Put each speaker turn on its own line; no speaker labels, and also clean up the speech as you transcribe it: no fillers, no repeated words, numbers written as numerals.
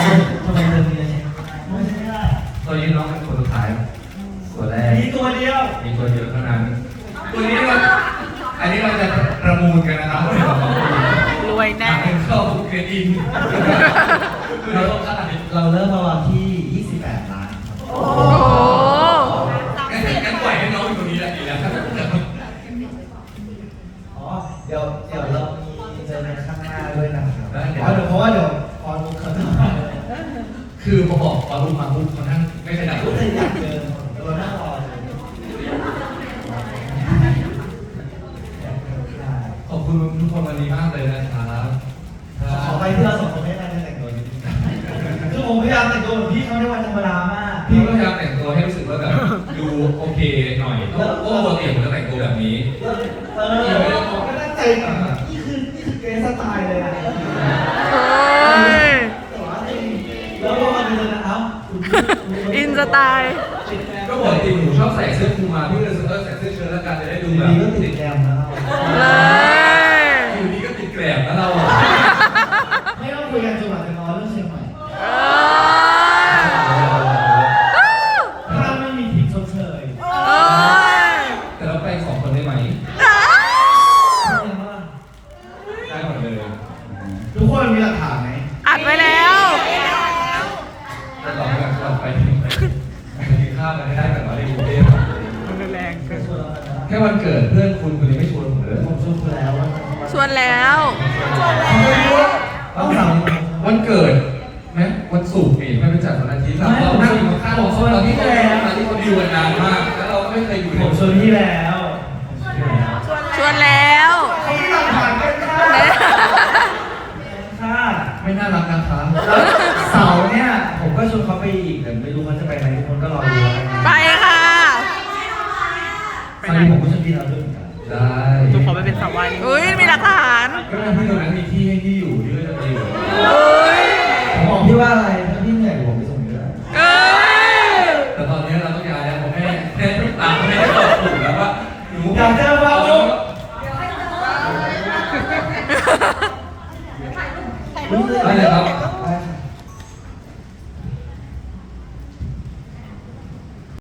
ทำไมเธอมีอะไรไม่ใช่ได้
ตัวนี้น้องเป็นคนสุดท้ายตัวแรก
มีตัวเดียว
เท่านั้นตัวนี้อันนี้เราจะประมูลกันนะครับ
รวยแน่
เข้าเกรดอิน
เราเริ่มมาวันที่28 ล้านครับ
โอ้โห
งั้นปล่อยให้น้องอยู่ตรงนี้แหละดีแล้ว
อ๋อเดี๋ยวเรามีเจอกันข้างหน้าด้วยนะครับเพราะว่าเดี๋ยวพอลุกเขาจะมา
คือพอบอกพอลุกมาปุ๊บเขานั่งไม่ขยับ
เลยอยากเจอเราหน้ารอ
ขอบคุณทุกคนวันนี้มากเลยนะครับ
ขอไปที่เราสองคนไม่ได้แต่งตัวนิดนึงคือผมพยายามแต่งตัวแบบพี่เขาในวันธรรมดามาก
พี่ก็พยายามแต่งตัวให้รู้สึกว่าแบบดูโอเคหน่อยเพราะปกติผมจะแต่งตัวแบบนี้
ก็ตั้งใจนี่คือเกรซสไตล์เลยนะแล้วก็มาดูนะครับ
อินสไตล์
ก็ปกติหนูชอบใส่เสื้อคลุมมาพี่เลยใส่เสื้อเชิ้ตแล้วกันจะได้ดูแบบ
ดีก็ติดแกมนะ
อยู่ดีก็ติดแกลบนะเรา
ไม่ต้องคุยกันจนกว่าจะนอนเรื่องเชียงใหม่ถ้าไม่มีทิปชดเชย
แต่เราไป2 คนได้ไหมได้หมดเลย
ทุกคนมีหลักฐานไหม
อัดไว้แล้ว
แต่เราไปกินข้าวกันได้แบบว่าในกรุงเทพ
แรงเกิน
แค่วันเกิดเพื่อนคุณยังไม่ชวนผมเลย
ผมชวนคุณแล้ว
ชวนแล้ว
วันเกิดไหมวันศุกร์นี่ไม่ไปจัดวันอาทิตย์เรานั่งอยู่ข้างๆตอนที่เขาอยู่กันนานมากแล้วเราก็ไม่เคยอยู่
ผมชวนพี่แล้ว
ชวนแล้ว
เขาไม่หลักฐานกันค่ะ
ไม่น่ารักนะคะ
เสาร์เนี่ยผมก็ชวนเขาไปอีกแต่ไม่รู้เขาจะไปไหนทุกคนก็รอดู
ไปค่ะ
ไปผมก็ชวนพี่เราด้วยกัน
ได้
จุ๊บขอไปเป็นสาววายอุ้ยมีหลักฐาน
ก็ทำให้ตรงนั้นมีที่ให้พี่อยู่ที่ก็จะไปอยู่
ผมบอกพี่ว่าอะไรถ้าพี่เหนื่อยผมไปส่งเยอะ
แต่ตอนนี้เราต้องย้ายแล้วผมแม่ตามแม่ตอบถูกแล้วว่าหนู
อยากเจอว่าลูก
ได้เลยครับ